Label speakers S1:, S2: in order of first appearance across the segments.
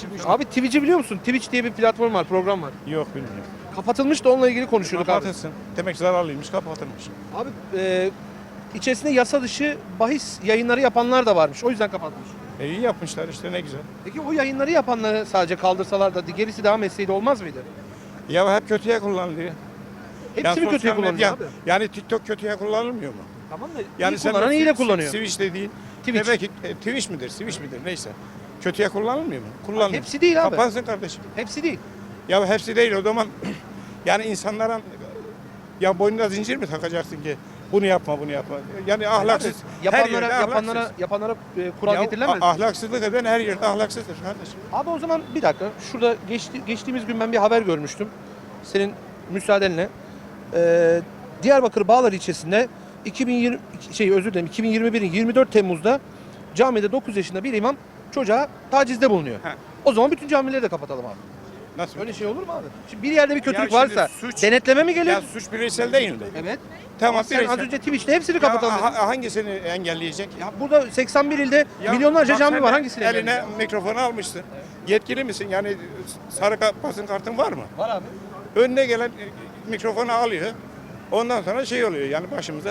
S1: Abi Twitch'i biliyor musun? Twitch diye bir platform var, program var.
S2: Yok bilmiyorum.
S1: Kapatılmış da onunla ilgili konuşuyorduk abi.
S2: Kapatılsın. Demek zararlıymış, kapatılmış.
S1: Abi içerisinde yasa dışı bahis yayınları yapanlar da varmış. O yüzden kapatmış.
S2: İyi yapmışlar işte, ne güzel.
S1: Peki o yayınları yapanları sadece kaldırsalar da gerisi devam etseydi olmaz mıydı?
S2: Ya hep kötüye kullanılıyor.
S1: Hepsi mi kötüye
S2: sosyal
S1: kullanıyor
S2: medya-
S1: abi?
S2: Yani TikTok kötüye kullanılmıyor mu?
S1: Tamam da
S2: Yani
S1: iyi kullanan iyi de kullanıyor.
S2: Switch dediğin,
S1: Twitch.
S2: demek ki Twitch midir, Switch midir neyse. Kötüye kullanılmıyor mu? Kullanılıyor.
S1: Hepsi değil abi.
S2: Kapansın kardeşim.
S1: Hepsi değil.
S2: Ya hepsi değil o zaman. Yani insanlara ya boynuna zincir mi takacaksın ki bunu yapma, bunu yapma. Yani ahlaksız. Her yerde
S1: Yapanlara kural
S2: Ya
S1: getirilemez. mi?
S2: ahlaksızlık eden her yerde ahlaksızdır kardeşim.
S1: Abi o zaman bir dakika. Şurada geçtiğimiz gün ben bir haber görmüştüm. Senin müsaadenle. Diyarbakır Bağlar ilçesinde 2021'in 24 Temmuz'da camide 9 yaşında bir imam çocuğa tacizde bulunuyor.
S2: He.
S1: O zaman bütün camileri de kapatalım abi.
S2: Nasıl?
S1: Öyle şey olur mu abi? Şimdi bir yerde bir kötülük
S2: Ya şimdi
S1: varsa
S2: suç-
S1: denetleme mi gelir?
S2: Ya suç bireysel değil mi?
S1: Evet.
S2: Tamam,
S1: Ama sen
S2: bireysel.
S1: az önce Twitch'te hepsini kapatalım dedin.
S2: Hangisini engelleyecek?
S1: Ya burada 81 ilde
S2: Ya
S1: milyonlarca
S2: bak
S1: cami
S2: sen
S1: var.
S2: de
S1: Hangisini
S2: eline
S1: engelleyeceksin?
S2: mikrofonu almışsın. Yetkili misin? Yani sarı basın kartın var mı?
S1: Var abi.
S2: Önüne gelen mikrofonu alıyor. Ondan sonra şey oluyor yani başımıza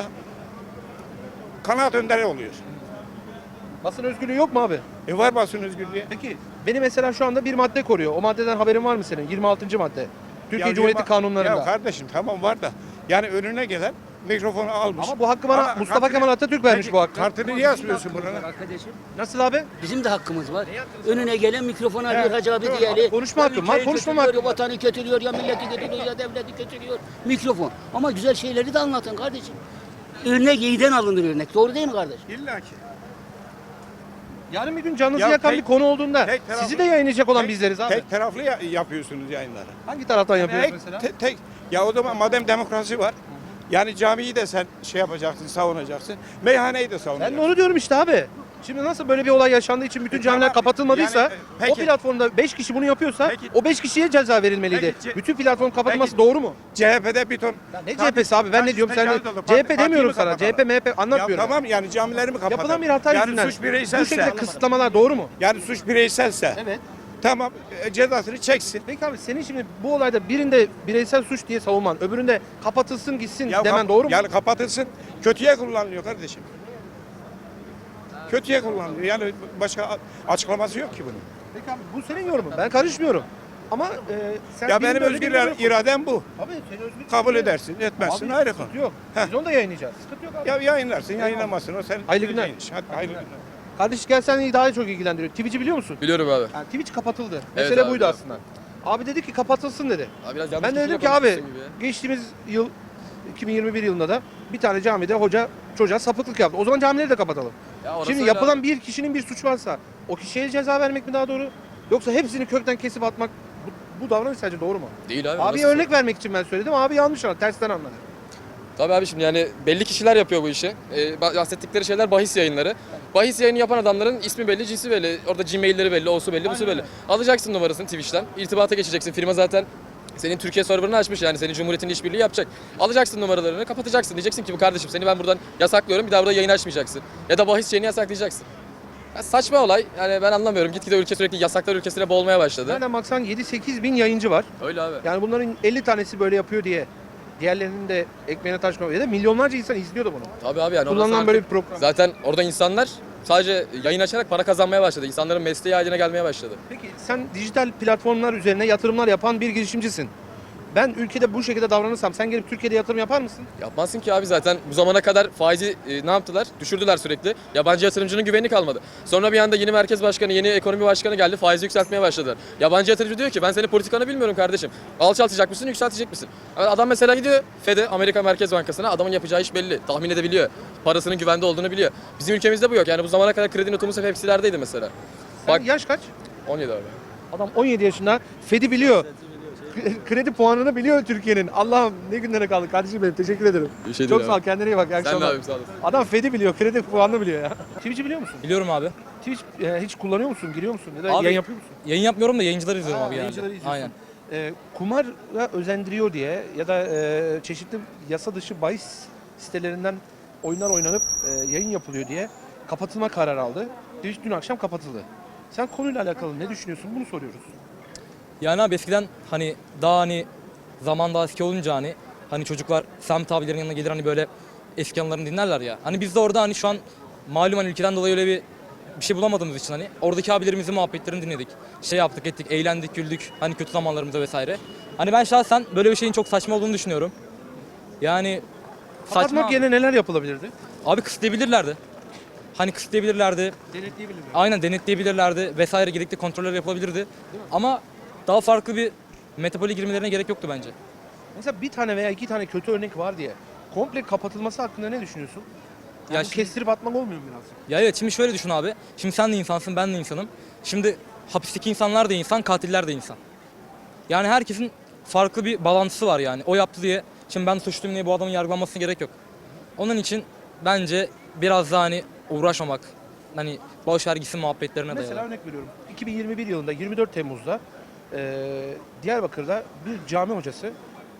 S2: kanaat önderi oluyor.
S1: Basın özgürlüğü yok mu abi?
S2: Var basın özgürlüğü.
S1: Peki beni mesela şu anda bir madde koruyor. O maddeden haberin var mı senin? 26. madde. Türkiye
S2: Ya
S1: Cumhuriyeti
S2: yirmi-
S1: kanunlarında.
S2: Ya kardeşim tamam var da yani önüne gelen mikrofonu almış.
S1: Ama bu hakkı bana Mustafa Kemal Atatürk vermiş
S2: Peki,
S1: bu hakkı.
S2: Kartını niye asmıyorsun buraya?
S3: Arkadaşım
S1: Nasıl abi?
S3: bizim de hakkımız var. Önüne gelen mikrofonu alıyor
S2: Evet,
S3: Hacı abi
S2: doğru.
S3: diğeri.
S1: Konuşma
S3: Ya
S1: hakkım var,
S3: ülkeyi
S1: konuşmama
S3: kötülüyor,
S1: hakkım
S3: ya
S1: var.
S3: vatanı kötülüyor, ya milleti kötülüyor, ya devleti kötülüyor. Mikrofon. Ama güzel şeyleri de anlatın kardeşim. Örnek iyiden alınır örnek. Doğru değil mi kardeş?
S2: İlla ki.
S1: Yarın bir gün canınızı
S2: Ya
S1: yakan
S2: tek-
S1: bir konu olduğunda
S2: tek taraflı-
S1: sizi de yayınlayacak olan
S2: Tek-
S1: bizleriz abi.
S2: Tek taraflı yapıyorsunuz yayınları.
S1: Hangi taraftan yapıyoruz mesela?
S2: Ya o zaman madem demokrasi var. Yani camiyi de sen şey yapacaksın, savunacaksın. Meyhaneyi de
S1: Ben
S2: savunacaksın.
S1: de onu diyorum işte abi. Şimdi nasıl böyle bir olay yaşandığı için bütün camiler
S2: tamam.
S1: kapatılmadıysa
S2: Yani, peki.
S1: o platformda 5 kişi bunu yapıyorsa
S2: Peki.
S1: o 5 kişiye ceza verilmeliydi.
S2: Peki,
S1: Bütün platform kapatılması
S2: Peki.
S1: doğru mu?
S2: CHP'de bir ton.
S1: Ya ne CHP'si abi ben ne diyorum sen de CHP demiyorum sana. CHP MHP
S2: Ya
S1: anlatmıyorum.
S2: tamam yani camileri mi kapatalım?
S1: Yapılan bir hata
S2: yani
S1: yüzünden
S2: suç
S1: bu
S2: bireyselse.
S1: şekilde kısıtlamalar doğru mu?
S2: Yani suç bireyselse.
S1: Evet.
S2: Tamam cezasını çeksin.
S1: Peki abi senin şimdi bu olayda birinde bireysel suç diye savunman, öbüründe kapatılsın gitsin
S2: Ya
S1: demen doğru mu?
S2: Yani kapatılsın. Kötüye kullanılıyor kardeşim. Kötüye kullanılıyor. Yani başka açıklaması yok ki bunun.
S1: Peki abi bu senin yorumun. Ben karışmıyorum. Ama sen
S2: Ya
S1: birinde
S2: benim
S1: öyle
S2: özgür
S1: birinde yok.
S2: iradem bu.
S1: Abi senin özgür
S2: Kabul
S1: iraden-
S2: edersin, etmezsin
S1: Abi,
S2: ayrı
S1: sıkıntı
S2: konu.
S1: yok.
S2: Heh.
S1: Biz onu da yayınlayacağız. Sıkıntı yok abi.
S2: Ya yayınlarsın, yayınlamazsın. O sen
S1: Hayırlı günler.
S2: bileceğin iş. Hadi hayırlı günler.
S1: Kardeş gel seni daha çok ilgilendiriyor. Twitch'i biliyor musun?
S4: Biliyorum abi.
S1: Yani Twitch kapatıldı.
S4: Evet
S1: Mesele
S4: abi,
S1: buydu
S4: biliyorum.
S1: aslında. Abi dedi ki kapatılsın dedi.
S4: Abi biraz yanlış
S1: Ben de dedim
S4: kişiyle
S1: ki abi
S4: konuşmuşsun gibi ya.
S1: geçtiğimiz yıl 2021 yılında da bir tane camide hoca çocuğa sapıklık yaptı. O zaman camileri de kapatalım.
S4: Ya orası
S1: Şimdi
S4: öyle
S1: yapılan
S4: abi.
S1: bir kişinin bir suçu varsa o kişiye ceza vermek mi daha doğru? Yoksa hepsini kökten kesip atmak bu davranış sence doğru mu?
S4: Değil abi.
S1: Abi
S4: orası-
S1: örnek vermek için ben söyledim. Abi yanlış anladı. Tersten anladı.
S4: Tabii abi şimdi yani belli kişiler yapıyor bu işi. Bahsettikleri şeyler bahis yayınları. Bahis yayını yapan adamların ismi belli, cinsi belli. Orada Gmail'leri belli, osu belli, busu belli. Alacaksın numarasını Twitch'ten. İrtibata geçeceksin. Firma zaten senin Türkiye serverını açmış yani senin Cumhuriyet'in işbirliği yapacak. Alacaksın numaralarını, kapatacaksın. Diyeceksin ki bu kardeşim seni ben buradan yasaklıyorum. Bir daha burada yayın açmayacaksın. Ya da bahis şeyini yasaklayacaksın. Ya saçma olay. Yani ben anlamıyorum. Gitgide ülke sürekli yasaklar ülkesine boğulmaya başladı.
S1: Nereden baksan 7-8 bin yayıncı var.
S4: Öyle abi.
S1: Yani bunların 50 tanesi böyle yapıyor diye diğerlerinin de ekmeğine taş koyuyor. Ya da milyonlarca insan izliyordu bunu.
S4: Tabii abi yani orası
S1: Kullanılan
S4: artık-
S1: böyle bir program.
S4: Zaten orada insanlar sadece yayın açarak para kazanmaya başladı. İnsanların mesleği haline gelmeye başladı.
S1: Peki sen dijital platformlar üzerine yatırımlar yapan bir girişimcisin. Ben ülkede bu şekilde davranırsam sen gelip Türkiye'de yatırım yapar mısın?
S4: Yapmazsın ki abi zaten bu zamana kadar faizi ne yaptılar? Düşürdüler sürekli. Yabancı yatırımcının güveni kalmadı. Sonra bir anda yeni merkez başkanı, yeni ekonomi başkanı geldi. Faizi yükseltmeye başladılar. Yabancı yatırımcı diyor ki ben senin politikanı bilmiyorum kardeşim. Alçaltacak mısın, yükseltecek misin? Adam mesela gidiyor Fed'e, Amerika Merkez Bankası'na. Adamın yapacağı iş belli. Tahmin edebiliyor. Parasının güvende olduğunu biliyor. Bizim ülkemizde bu yok. Yani bu zamana kadar kredi notumuz hep hepsilerdeydi mesela.
S1: Sen
S4: Bak
S1: yaş kaç?
S4: 17 abi.
S1: Adam 17 yaşında Fed'i biliyor. Kredi puanını biliyor Türkiye'nin. Allah'ım ne günlere kaldık kardeşim benim. Teşekkür ederim.
S4: Bir şey
S1: Çok
S4: değil
S1: sağ ol.
S4: abi.
S1: Kendine iyi bak. İyi
S4: Sen de
S1: akşamlar.
S4: abim sağ olasın.
S1: Adam Fed'i biliyor. Kredi puanını biliyor ya. Twitch'i biliyor musun?
S5: Biliyorum abi.
S1: Twitch hiç kullanıyor musun? Giriyor musun? Ya da
S5: Abi,
S1: yayın yapıyor musun?
S5: Yayın yapmıyorum da yayıncıları izliyorum abi genelde.
S1: Yayıncıları izliyorsun.
S5: Aynen.
S1: Kumara özendiriyor diye ya da çeşitli yasa dışı bahis sitelerinden oyunlar oynanıp yayın yapılıyor diye kapatılma kararı aldı. Twitch dün akşam kapatıldı. Sen konuyla alakalı ne düşünüyorsun? Bunu soruyoruz.
S5: Yani abi eskiden hani daha hani zaman daha eski olunca hani çocuklar Semt abilerin yanına gelir hani böyle eski anılarını dinlerler ya. Hani biz de orada hani şu an malum hani ülkeden dolayı öyle bir şey bulamadığımız için hani oradaki abilerimizin muhabbetlerini dinledik. Şey yaptık ettik, eğlendik, güldük hani kötü zamanlarımızda vesaire. Hani ben şahsen böyle bir şeyin çok saçma olduğunu düşünüyorum. Yani
S1: Kapatmak
S5: abi.
S1: yerine neler yapılabilirdi?
S5: Abi kısıtlayabilirlerdi. Hani kısıtlayabilirlerdi.
S1: Denetleyebilirler.
S5: Aynen denetleyebilirlerdi vesaire gerekli kontroller yapılabilirdi. Ama daha farklı bir metapole girmelerine gerek yoktu bence.
S1: Mesela bir tane veya iki tane kötü örnek var diye komple kapatılması hakkında ne düşünüyorsun? Yani
S5: Ya
S1: bu
S5: şimdi-
S1: kestirip atmak olmuyor mu biraz?
S5: Ya evet şimdi şöyle düşün abi. Şimdi sen de insansın ben de insanım. Şimdi hapisteki insanlar da insan, katiller de insan. Yani herkesin farklı bir bağlantısı var yani. O yaptı diye şimdi ben suçluyum diye bu adamın yargılanmasına gerek yok. Onun için bence biraz daha hani uğraşmamak. Hani boş vergisi muhabbetlerine
S1: Mesela
S5: dayalı.
S1: örnek veriyorum. 2021 yılında 24 Temmuz'da Diyarbakır'da bir cami hocası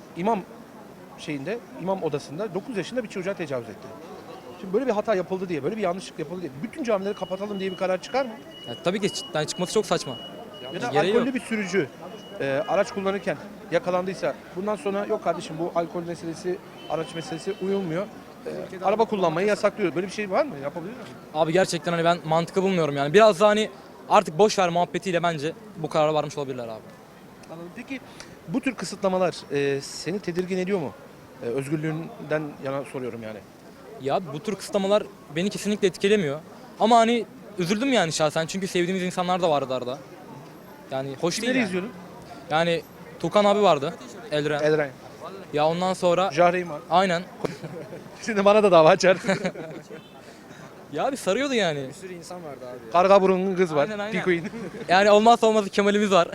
S1: imam odasında 9 yaşında bir çocuğa tecavüz etti. Şimdi böyle bir hata yapıldı diye, böyle bir yanlışlık yapıldı diye bütün camileri kapatalım diye bir karar çıkar mı?
S5: Ya tabii ki yani çıkması çok saçma.
S1: Ya da
S5: Gereği
S1: alkollü
S5: yok.
S1: bir sürücü araç kullanırken yakalandıysa bundan sonra yok kardeşim bu alkol meselesi, araç meselesi uyulmuyor. Araba kullanmayı yasaklıyor. Böyle bir şey var mı? Yapabilir mi?
S5: Abi gerçekten hani ben mantıklı bulmuyorum yani. Biraz daha hani artık boş ver muhabbetiyle bence bu karara varmış olabilirler abi.
S1: Anladım. Peki bu tür kısıtlamalar seni tedirgin ediyor mu? Özgürlüğünden yana soruyorum yani.
S5: Ya bu tür kısıtlamalar beni kesinlikle etkilemiyor. Ama hani üzüldüm yani şahsen çünkü sevdiğimiz insanlar da vardı arada. Yani hoş değil
S1: Kimleri
S5: yani.
S1: izliyordun?
S5: Yani Tukan abi vardı. Elren.
S1: Elren.
S5: Ya ondan sonra
S1: Jahreyn var.
S5: aynen.
S1: Şimdi bana da dava açar.
S5: Ya bir sarıyordu yani.
S1: Karga burunlu kız var.
S5: Aynen, aynen.
S1: Pikuin.
S5: Yani olmazsa olmazı Kemal'imiz var.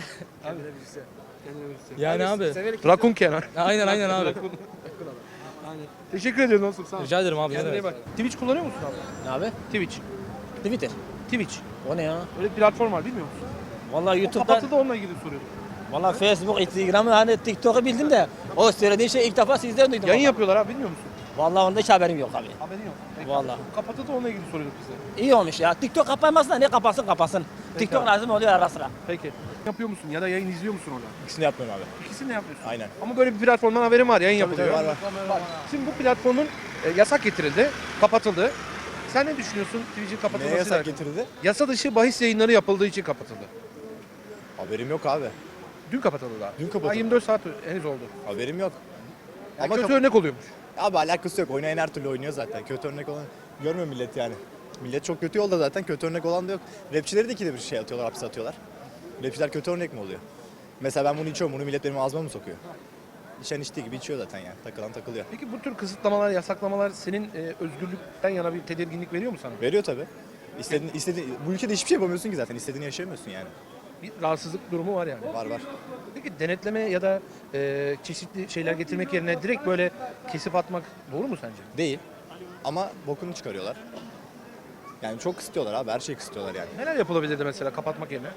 S5: Yani abi.
S1: Rakun Kenan.
S5: Aynen abi.
S1: Teşekkür ediyorum dostum. Sağ ol.
S5: Rica ederim abi. ne
S1: Kendine iyi
S5: demek.
S1: bak. Twitch kullanıyor musun abi?
S6: Ne abi?
S1: Twitch.
S6: Twitter.
S1: Twitch.
S6: O ne ya?
S1: Öyle bir platform var bilmiyor musun?
S6: Vallahi
S1: O
S6: YouTube'dan,
S1: kapatıldı onunla ilgili soruyorum.
S6: vallahi Facebook, Instagram'ı hani TikTok'u bildim de o söylediğin şey ilk defa sizden duydum.
S1: Yayın
S6: vallahi.
S1: yapıyorlar abi bilmiyor musun?
S6: Vallahi onda hiç haberim yok abi.
S1: Haberin yok. Peki.
S6: Vallahi.
S1: Kapatıldı onunla ilgili soruyorduk bize.
S6: İyi olmuş ya. TikTok kapanmasın da ne kapansın. TikTok
S1: abi.
S6: lazım oluyor ara sıra.
S1: Peki. Yapıyor musun ya da yayın izliyor musun orada?
S7: İkisini yapmıyorum abi.
S1: İkisini de yapıyorsun.
S7: Aynen.
S1: Ama böyle bir platformdan haberim var, yayın yapılıyor.
S7: var.
S1: Şimdi bu platformun yasak getirildi, kapatıldı. Sen ne düşünüyorsun Twitch'in
S7: Neye
S1: kapatılmasıyla
S7: yasak
S1: alakalı?
S7: getirildi?
S1: Yasa dışı bahis yayınları yapıldığı için kapatıldı.
S7: Haberim yok abi.
S1: Dün kapatıldı daha.
S7: Dün kapatıldı.
S1: Daha 24 saat henüz oldu.
S7: Haberim yok.
S1: Yani
S7: Ama
S1: kötü örnek oluyormuş.
S7: Abi alakası yok. Oynayan her türlü oynuyor zaten. Kötü örnek olan görmüyor millet yani. Millet çok kötü yolda zaten. Kötü örnek olan da yok. Rapçileri de ikide bir şey atıyorlar, hapse atıyorlar. Rapçiler kötü örnek mi oluyor? Mesela ben bunu içiyorum. Bunu millet benim ağzıma mı sokuyor? İçen içtiği gibi içiyor zaten yani. Takılan takılıyor.
S1: Peki bu tür kısıtlamalar, yasaklamalar senin özgürlükten yana bir tedirginlik veriyor mu sana?
S7: Veriyor tabii. İstediğin, bu ülkede hiçbir şey yapamıyorsun ki zaten. İstediğini yaşayamıyorsun yani.
S1: Bir rahatsızlık durumu var yani.
S7: Var.
S1: Peki denetleme ya da çeşitli şeyler getirmek yerine direkt böyle kesip atmak doğru mu sence?
S7: Değil. Ama bokunu çıkarıyorlar. Yani çok kısıtıyorlar abi. Her şeyi kısıtıyorlar yani.
S1: Neler yapılabilirdi mesela kapatmak yerine?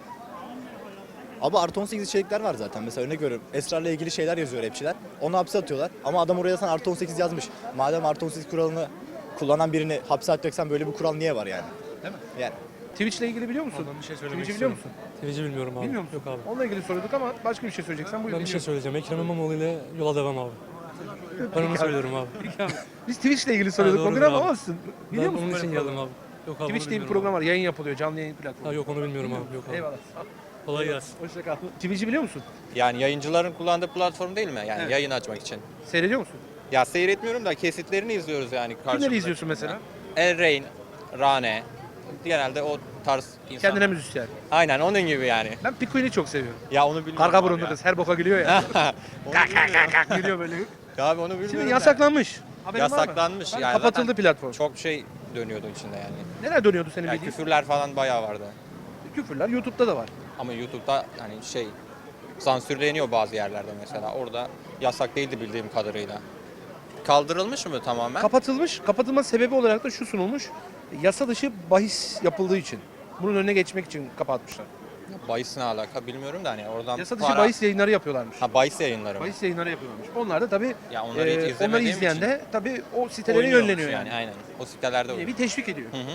S7: Abi artı 18 içerikler var zaten. Mesela örnek veriyorum. Esrarla ilgili şeyler yazıyor rapçiler. Onu hapse atıyorlar. Ama adam oraya sen artı 18 yazmış. Madem artı 18 kuralını kullanan birini hapse atacaksan böyle bir kural niye var yani?
S1: Değil mi?
S7: Yani.
S1: Twitch'le ilgili biliyor musun?
S8: Bir şey söylemek
S1: Twitch'i biliyor
S8: istiyorum.
S1: musun?
S8: Twitch'i bilmiyorum abi.
S1: Bilmiyor musun?
S8: Yok abi.
S1: Onunla ilgili soruyorduk ama başka bir şey söyleyeceksen buyur.
S8: Ben bir şey
S1: dinliyorum.
S8: söyleyeceğim. Ekrem İmamoğlu ile yola devam abi. Ben onu söylüyorum abi.
S1: Biz Twitch'le ilgili soruyorduk o
S8: doğrudur
S1: gün ama
S8: abi.
S1: olsun. Biliyor
S8: Ben
S1: musun?
S8: onun
S1: böyle
S8: için
S1: bir program?
S8: geldim abi. Yok abi
S1: Twitch
S8: onu
S1: diye bir
S8: bilmiyorum
S1: program var. Yayın yapılıyor. Canlı yayın
S8: abi.
S1: platformu.
S8: Ha, yok onu bilmiyorum abi. Yok abi.
S1: Eyvallah.
S8: Kolay gelsin.
S1: Hoşça kal. Twitch'i biliyor musun?
S9: Yani yayıncıların kullandığı platform değil mi? Yani
S1: Evet.
S9: yayın açmak için.
S1: Seyrediyor musun?
S9: Ya seyretmiyorum da kesitlerini izliyoruz yani. karşımıza
S1: Kimleri izliyorsun
S9: çıkan.
S1: mesela?
S9: Elrain, Rane. Genelde o tarz insan.
S1: Kendine müzisyen.
S9: Aynen onun gibi yani.
S1: Ben Pikuin'i çok seviyorum.
S9: Ya onu bilmiyorum.
S1: Karga
S9: abi
S1: burunlu
S9: ya.
S1: kız. Her boka gülüyor ya.
S9: Onu bilmiyorum.
S1: Gülüyor böyle.
S9: Abi onu bilmiyorum.
S1: Şimdi
S9: da.
S1: yasaklanmış. Haberin var mı?
S9: Yasaklanmış.
S1: Yani
S9: Yani
S1: kapatıldı
S9: zaten
S1: platform.
S9: Çok şey dönüyordu içinde yani.
S1: Neler dönüyordu senin
S9: Yani
S1: bildiğin?
S9: küfürler falan bayağı vardı.
S1: Küfürler YouTube'da da var.
S9: Ama YouTube'da hani şey sansürleniyor bazı yerlerde mesela. Orada yasak değildi bildiğim kadarıyla. Kaldırılmış mı tamamen?
S1: Kapatılmış. Kapatılma sebebi olarak da şu sunulmuş. Yasa dışı bahis yapıldığı için. Bunun önüne geçmek için kapatmışlar.
S9: Bahis ne alaka bilmiyorum da hani oradan
S1: Yasa dışı bahis yayınları yapıyorlarmış.
S9: Ha bahis yayınları mı?
S1: Bahis yayınları yapıyorlarmış. Onlar da tabii
S9: Ya onları hiç
S1: onları
S9: izlemediğim
S1: izleyen
S9: için
S1: de tabii o sitelere
S9: oynuyormuş
S1: yönleniyor yani.
S9: Aynen. O sitelerde
S1: Bir
S9: oynuyor.
S1: teşvik ediyor.
S9: Hı hı.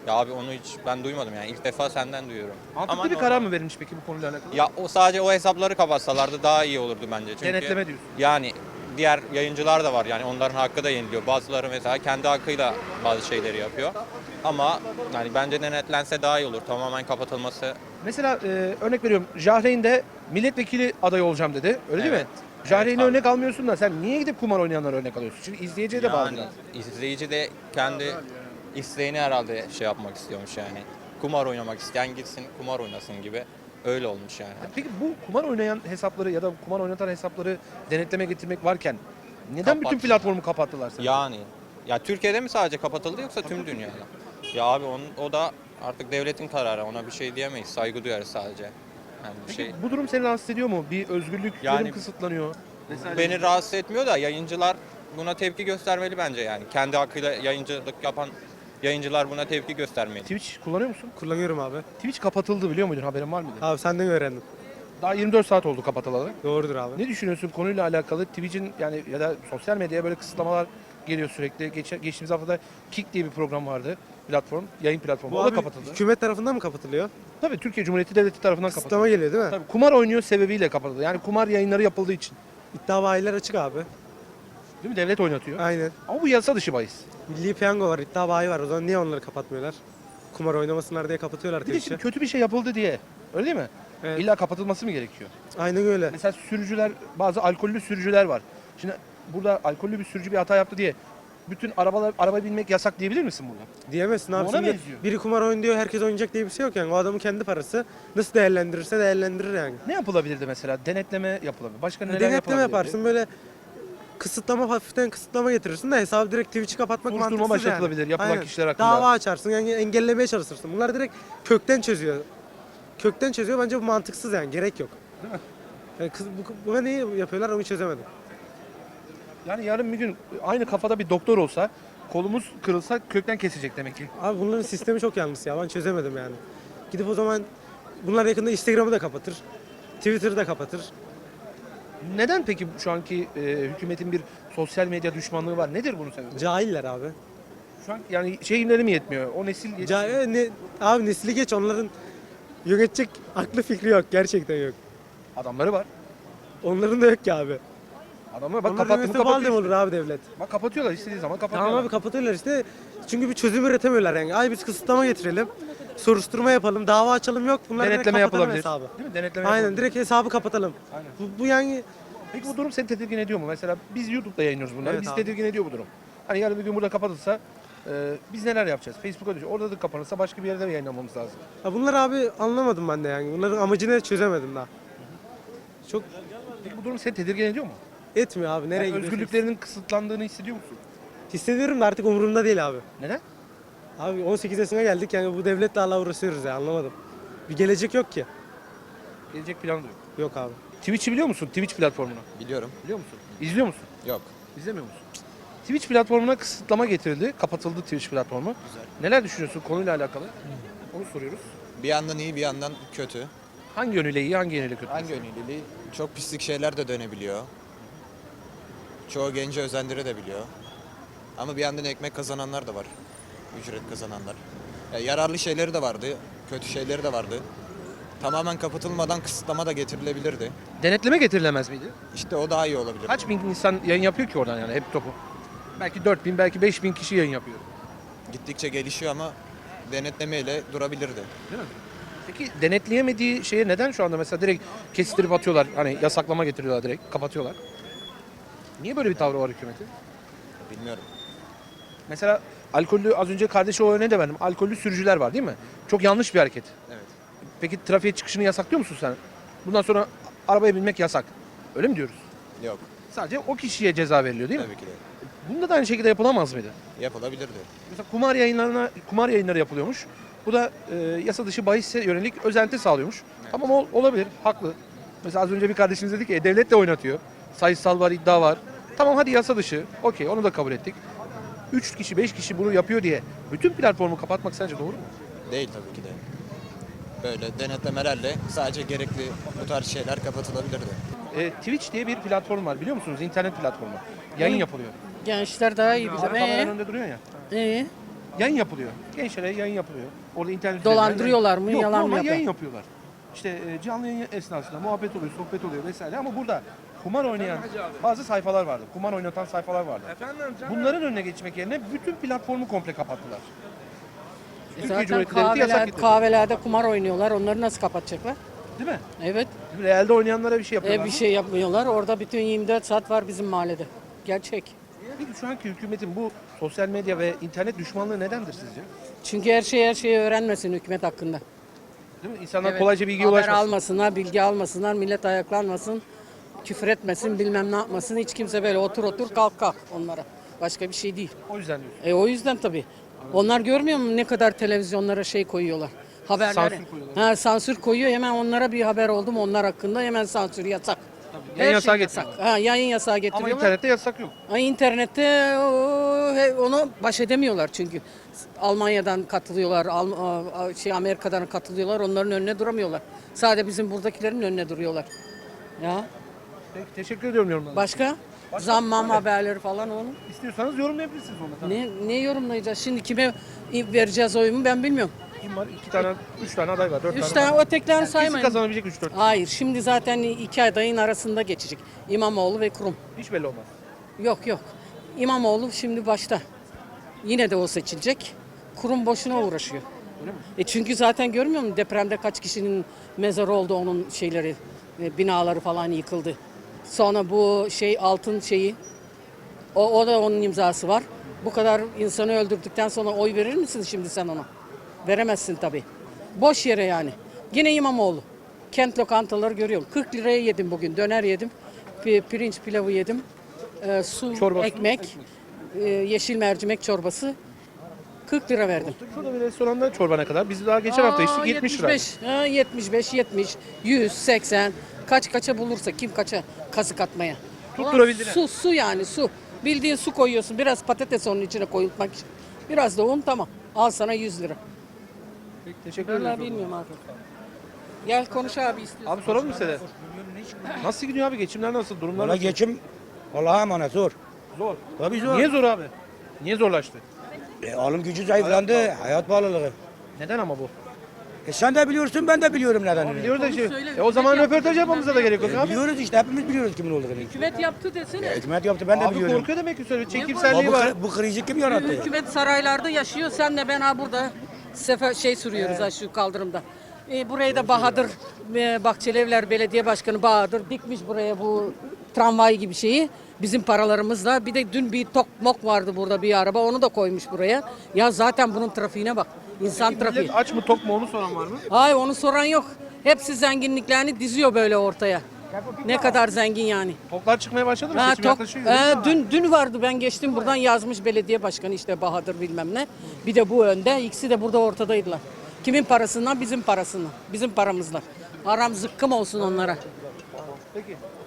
S9: Ya abi onu hiç ben duymadım yani. İlk defa senden duyuyorum.
S1: Mantıklı
S9: Ama
S1: bir karar mı verilmiş peki bu konuyla alakalı?
S9: Ya o sadece o hesapları kapatsalardı daha iyi olurdu bence. Çünkü
S1: Denetleme diyorsun.
S9: yani diğer yayıncılar da var yani onların hakkı da yeniliyor. Bazıları mesela kendi hakkıyla bazı şeyleri yapıyor. Ama yani bence denetlense daha iyi olur. Tamamen kapatılması.
S1: Mesela örnek veriyorum, Jahreyn de milletvekili adayı olacağım dedi. Öyle değil mi?
S9: Evet.
S1: Jahreyn'i
S9: Evet,
S1: örnek almıyorsun da sen niye gidip kumar oynayanlara örnek alıyorsun? Çünkü izleyiciye de bağlı.
S9: Yani izleyici de kendi isteğini herhalde şey yapmak istiyormuş yani. Kumar oynamak isteyen gitsin kumar oynasın gibi. Öyle olmuş yani.
S1: Peki bu kumar oynayan hesapları ya da kumar oynatan hesapları denetleme getirmek varken neden bütün
S9: Kapat.
S1: platformu kapattılar sen?
S9: Yani ya Türkiye'de mi sadece kapatıldı yoksa tüm dünyada? Ya abi o da artık devletin kararı. Ona bir şey diyemeyiz. Saygı duyarız sadece. Yani bir
S1: Peki
S9: şey
S1: bu durum seni rahatsız ediyor mu? Bir özgürlüklerim
S9: Yani
S1: kısıtlanıyor. vesaire.
S9: beni rahatsız etmiyor da yayıncılar buna tepki göstermeli bence yani. Kendi hakkıyla yayıncılık yapan yayıncılar buna tepki göstermeli.
S1: Twitch kullanıyor musun?
S8: Kullanıyorum abi.
S1: Twitch kapatıldı, biliyor muydun? Haberin var mıydı?
S8: Abi senden öğrendim.
S1: Daha 24 saat oldu kapatılalı.
S8: Doğrudur abi.
S1: Ne düşünüyorsun konuyla alakalı? Twitch'in yani ya da sosyal medyaya böyle kısıtlamalar geliyor sürekli. Geçtiğimiz haftada Kick diye bir program vardı. Platform, yayın platformu.
S8: Bu
S1: O da
S8: abi
S1: kapatıldı.
S8: hükümet tarafından mı kapatılıyor?
S1: Tabii Türkiye Cumhuriyeti Devleti tarafından kapatıldı.
S8: Kısıtlama geliyor değil mi?
S1: Tabii kumar oynuyor sebebiyle kapatıldı. Yani kumar yayınları yapıldığı için.
S8: İddia bayiler açık abi.
S1: Değil mi? Devlet oynatıyor.
S8: Aynen.
S1: Ama bu yasa dışı bahis.
S8: Milli piyango var, iddia bayi var. O zaman niye onları kapatmıyorlar? Kumar oynamasınlar diye kapatıyorlar
S1: Bir de şimdi
S8: Twitch'i.
S1: kötü bir şey yapıldı diye. Öyle değil mi?
S8: Evet.
S1: İlla kapatılması mı gerekiyor?
S8: Aynen öyle.
S1: Mesela sürücüler, bazı alkollü sürücüler var. Şimdi burada alkollü bir sürücü bir hata yaptı diye bütün araba binmek yasak diyebilir misin burada?
S8: Diyemezsin abi.
S1: Ona
S8: Şimdi
S1: benziyor.
S8: biri kumar oynuyor, herkes oynayacak diye bir şey yok yani. O adamın kendi parası. Nasıl değerlendirirse değerlendirir yani.
S1: Ne yapılabilirdi mesela? Denetleme yapılabilir. Başka neler
S8: Denetleme
S1: yapılabilirdi?
S8: yaparsın böyle kısıtlama, hafiften kısıtlama getirirsin de hesabı direkt Twitch'i kapatmak
S1: Soruşturma
S8: mantıksız yani.
S1: başlatılabilir yapılan
S8: Aynen.
S1: kişiler hakkında.
S8: Dava açarsın yani engellemeye çalışırsın. Bunlar direkt kökten çözüyor. Kökten çözüyor, bence bu mantıksız yani, gerek yok. Yani buna neyi yapıyorlar onu çözemedim.
S1: Yani yarın bir gün aynı kafada bir doktor olsa, kolumuz kırılsa kökten kesecek demek ki.
S8: Abi bunların sistemi çok yanlış ya, ben çözemedim yani. Gidip o zaman bunlar yakında Instagram'ı da kapatır. Twitter'ı da kapatır.
S1: Neden peki şu anki hükümetin bir sosyal medya düşmanlığı var? Nedir bunun sebebi?
S8: Cahiller abi.
S1: Şu an yani şeyleri mi yetmiyor? O nesil yetmiyor.
S8: Abi nesli geç, onların yönetecek aklı fikri yok, gerçekten yok.
S1: Adamları var.
S8: Onların da yok ki abi.
S1: Adamlar bak
S8: Onların
S1: kapattı mı
S8: yönetimi
S1: kapatıyor.
S8: olur abi devlet.
S1: Bak kapatıyorlar, istediği zaman kapatıyorlar.
S8: Tamam abi, kapatıyorlar işte. Çünkü bir çözüm üretemiyorlar yani. Ay biz kısıtlama getirelim, soruşturma yapalım, dava açalım, yok. Bunlar direkt
S1: Denetleme
S8: kapatalım
S1: yapılabilir.
S8: hesabı.
S1: Değil mi? Denetleme
S8: Aynen,
S1: yapılabilir.
S8: direkt hesabı kapatalım.
S1: Aynen.
S8: Bu yani
S1: Peki bu durum seni tedirgin ediyor mu? Mesela biz YouTube'da yayınlıyoruz bunları.
S8: Evet
S1: Bizi
S8: abi.
S1: tedirgin ediyor bu durum. Hani yarın bir gün burada kapatılsa biz neler yapacağız? Facebook'a düşüyor. Orada da kapanırsa başka bir yerde yayınlamamız lazım.
S8: ya bunlar abi anlamadım ben de yani. Bunların amacını çözemedim daha. Çok
S1: Peki bu durum seni tedirgin ediyor mu?
S8: etmiyor abi. Nereye
S1: Yani
S8: gidiyorsun?
S1: özgürlüklerinin kısıtlandığını hissediyor musun?
S8: Hissediyorum da artık umurumda değil abi.
S1: Neden?
S8: Abi 18 yaşına geldik yani, bu devletle hala uğraşıyoruz ya, anlamadım. Bir gelecek yok ki.
S1: Gelecek planı da yok.
S8: Yok abi.
S1: Twitch'i biliyor musun? Twitch platformunu.
S9: Biliyorum.
S1: Biliyor musun? İzliyor musun?
S9: Yok.
S1: İzlemiyor musun? Twitch platformuna kısıtlama getirildi. Kapatıldı Twitch platformu.
S9: Güzel.
S1: Neler düşünüyorsun konuyla alakalı? Onu soruyoruz.
S10: Bir yandan iyi bir yandan kötü.
S1: Hangi yönüyle iyi, hangi yönüyle kötü?
S10: Hangi yönüyle? Çok pislik şeyler de dönebiliyor. Çoğu genci özendirebiliyor. Ama bir yandan ekmek kazananlar da var. Ücret kazananlar. Ya yararlı şeyleri de vardı, kötü şeyleri de vardı. Tamamen kapatılmadan kısıtlama da getirilebilirdi.
S1: Denetleme getirilemez miydi?
S10: İşte o daha iyi olabilir.
S1: Kaç bin insan yayın yapıyor ki oradan yani hep topu? Belki 4000, belki 5000 kişi yayın yapıyor.
S10: Gittikçe gelişiyor ama denetlemeyle durabilirdi.
S1: Değil mi? Peki denetleyemediği şeye neden şu anda mesela direkt kestirip atıyorlar? Hani yasaklama getiriyorlar, direkt kapatıyorlar. Niye böyle bir tavrı var hükümetin?
S10: Bilmiyorum.
S1: Mesela alkollü, az önce kardeşi o örneği de verdim. Alkollü sürücüler var değil mi? Çok yanlış bir hareket.
S10: Evet.
S1: Peki trafiğe çıkışını yasaklıyor musun sen? Bundan sonra arabaya binmek yasak. Öyle mi diyoruz?
S10: Yok.
S1: Sadece o kişiye ceza veriliyor değil mi?
S10: Tabii ki de.
S1: Bunda da aynı şekilde yapılamaz mıydı?
S10: Yapılabilirdi.
S1: Mesela kumar yayınları yapılıyormuş. Bu da yasa dışı bahisse yönelik özenti sağlıyormuş. Tamam olabilir, haklı. Mesela az önce bir kardeşimiz dedi ki devlet de oynatıyor. Sayısal var, iddia var. Tamam hadi yasa dışı. Okey, onu da kabul ettik. 3 kişi, 5 kişi bunu yapıyor diye bütün platformu kapatmak sence doğru mu?
S10: Değil tabii ki de. Böyle denetlemelerle sadece gerekli bu tarz şeyler kapatılabilirdi.
S1: Twitch diye bir platform var, biliyor musunuz? İnternet platformu. Yayın yapılıyor.
S11: Gençler daha iyi bilir.
S1: Kameraların önünde duruyor ya. yayın yapılıyor. Gençlere yayın yapılıyor. Orada internet
S11: Dolandırıyorlar mı,
S1: Yok,
S11: yalan mı
S1: normal
S11: yapıyor?
S1: yayın yapıyorlar. İşte canlı yayın esnasında muhabbet oluyor, sohbet oluyor vesaire ama burada kumar oynayan bazı sayfalar vardı. Kumar oynatan sayfalar vardı. Bunların önüne geçmek yerine bütün platformu komple kapattılar. Türkiye
S11: Zaten
S1: Cumhuriyeti Devleti yasak getirdi.
S11: kahvelerde kumar oynuyorlar. Onları nasıl kapatacaklar?
S1: Değil mi?
S11: Evet.
S1: Realde oynayanlara bir şey yapıyorlar.
S11: Bir
S1: mı?
S11: şey yapmıyorlar. Orada bütün 24 saat var bizim mahallede. Gerçek.
S1: Peki şu anki hükümetin bu sosyal medya ve internet düşmanlığı nedendir sizce?
S11: Çünkü her şeyi öğrenmesin hükümet hakkında.
S1: Değil mi? İnsanlar
S11: Evet.
S1: kolayca bilgiye
S11: Haber
S1: ulaşmasın.
S11: almasınlar, bilgi almasınlar, millet ayaklanmasın, küfür etmesin, bilmem ne yapmasın. Hiç kimse böyle otur kalk onlara. Başka bir şey değil.
S1: O yüzden diyorsun.
S11: O yüzden tabii. Onlar görmüyor mu ne kadar televizyonlara şey koyuyorlar? Haberlere.
S1: Sansür koyuyorlar.
S11: Ha, sansür koyuyor. Hemen onlara bir haber oldu mu onlar hakkında hemen sansür yasak.
S1: Yayın
S11: Her
S1: yasağı
S11: şey yasak.
S1: getiriyorlar.
S11: Ha, yayın yasağı
S1: Ama
S11: getiriyorlar.
S1: internette yasak yok.
S11: İnternette onu baş edemiyorlar çünkü. Almanya'dan katılıyorlar, Amerika'dan katılıyorlar. Onların önüne duramıyorlar. Sadece bizim buradakilerin önüne duruyorlar. Ya
S1: Peki, teşekkür ediyorum yorumlarınız.
S11: başka? Zammam haberleri falan onu.
S1: İstiyorsanız yorumlayabilirsiniz onu. Tabii.
S11: Ne yorumlayacağız? Şimdi kime vereceğiz oyumu ben bilmiyorum.
S1: Kim var? 2 tane, 3 tane aday var, 4
S11: Üç
S1: tane
S11: tane
S1: var.
S11: ötekilerini
S1: Kesin
S11: saymayın.
S1: kazanabilecek 3-4.
S11: Hayır şimdi zaten 2 adayın arasında geçecek. İmamoğlu ve Kurum.
S1: Hiç belli olmaz.
S11: Yok. İmamoğlu şimdi başta. Yine de o seçilecek. Kurum boşuna uğraşıyor. Çünkü zaten görmüyor musun depremde kaç kişinin mezarı oldu onun şeyleri, binaları falan yıkıldı. Sonra bu altın şeyi, o da onun imzası var. Bu kadar insanı öldürdükten sonra oy verir misin şimdi sen ona? Veremezsin tabii. Boş yere yani. Yine İmamoğlu. Kent lokantaları görüyorum. 40 liraya yedim bugün. Döner yedim. Pirinç pilavı yedim. Su,
S1: Çorbası,
S11: ekmek. Yeşil mercimek çorbası. 40 lira verdim.
S1: Şurada bir restoranda çorba ne kadar? Biz daha geçen hafta içtik 70 lira.
S11: 75, 70, 100, 80. Kaça bulursa kim kaça kazık atmaya.
S1: Tutturabildiler.
S11: Su yani su. Bildiğin su koyuyorsun. Biraz patates onun içine koyulmak için. Biraz da un tamam. Al sana 100 lira.
S1: Peki, teşekkür
S11: Vallahi
S1: ederim.
S11: bilmiyorum artık. Gel konuş abi istiyorsan.
S1: Abi soralım mı size? Nasıl gidiyor abi? Geçimler nasıl? Durumlar nasıl?
S6: geçim Allah'a emanet zor.
S1: Zor.
S6: Tabii zor.
S1: Niye zor abi? Niye zorlaştı?
S6: Alım gücü zayıflandı. Hayat pahalılığı.
S1: Neden ama bu?
S6: Sen de biliyorsun ben de biliyorum nedenini.
S1: Biliyoruz da şey.
S11: söyle,
S1: O zaman
S11: hükümet
S1: röportaj yapmamıza da gerek yok abi.
S6: Biliyoruz işte hepimiz biliyoruz kimin olduğunu.
S11: Hükümet yaptı desene.
S6: Hükümet yaptı ben de
S1: Abi
S6: biliyorum.
S1: korkuyor demek ki söyle.
S6: Ama
S1: Çekimselliği var.
S6: bu krizi kim yarattı?
S11: Hükümet saraylarda yaşıyor. Sen de ben burada sürüyoruz şu kaldırımda. Burayı da Bahadır Bahçelievler Belediye Başkanı Bahadır dikmiş buraya bu tramvay gibi şeyi. Bizim paralarımızla. Bir de dün bir tokmok vardı burada bir araba. Onu da koymuş buraya. Ya zaten bunun trafiğine bak. İnsan trafiği.
S1: Millet aç mı tok mu onu soran var mı?
S11: Hayır onu soran yok. Hepsi zenginliklerini diziyor böyle ortaya. Ne kadar zengin yani.
S1: Toklar çıkmaya başladı mı?
S11: Ha,
S1: Seçim yaklaşıyor.
S11: dün vardı ben geçtim buradan yazmış belediye başkanı işte Bahadır bilmem ne. Bir de bu önde ikisi de burada ortadaydılar. Kimin parasından bizim parasından. Bizim paramızla. Aram zıkkım olsun onlara.
S1: Peki.